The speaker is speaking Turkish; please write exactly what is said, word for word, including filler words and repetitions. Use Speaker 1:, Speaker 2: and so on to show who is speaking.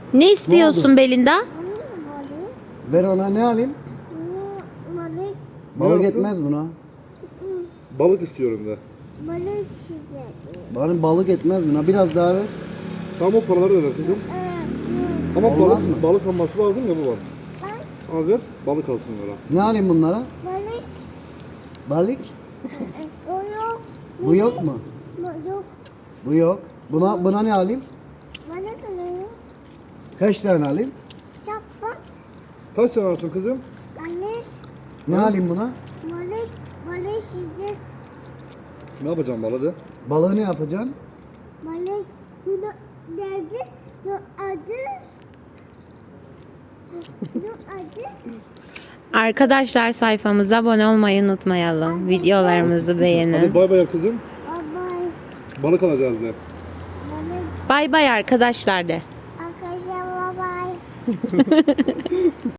Speaker 1: Ne istiyorsun Belinda?
Speaker 2: Ver ona, ne alayım?
Speaker 3: Balık.
Speaker 2: Balık
Speaker 4: alsın?
Speaker 2: etmez buna.
Speaker 4: Balık istiyorum de.
Speaker 3: Balık çiçek.
Speaker 2: Bana balık etmez buna. Biraz daha ver.
Speaker 4: Tamam o paraları da ver kızım. Ama
Speaker 2: Olmaz
Speaker 4: balık,
Speaker 2: mı?
Speaker 4: balık alması lazım ya baba. Al ver, balık alsın onlara.
Speaker 2: Ne alayım bunlara?
Speaker 3: Balık.
Speaker 2: Balık?
Speaker 3: O yok.
Speaker 2: Bu yok mu?
Speaker 3: Bu yok.
Speaker 2: Bu yok. Buna buna ne alayım?
Speaker 3: Balık alıyor.
Speaker 2: Kaç tane alayım?
Speaker 3: Çapat.
Speaker 4: Kaç tane alsın kızım?
Speaker 3: Balık.
Speaker 2: Ne alayım buna?
Speaker 3: Balık. Balık çiçek.
Speaker 4: Ne yapacağım balığı de?
Speaker 2: Balığı ne yapacaksın?
Speaker 3: Balık. Bunu derdi. Bu adı. Bu adı.
Speaker 1: Arkadaşlar sayfamıza abone olmayı unutmayalım. Videolarımızı
Speaker 4: Hadi
Speaker 1: beğenin.
Speaker 4: bay bay kızım.
Speaker 3: Bye
Speaker 4: Balık alacağız de.
Speaker 3: Balık.
Speaker 1: Bay bay arkadaşlar de.
Speaker 3: Arkadaşlar bye bye.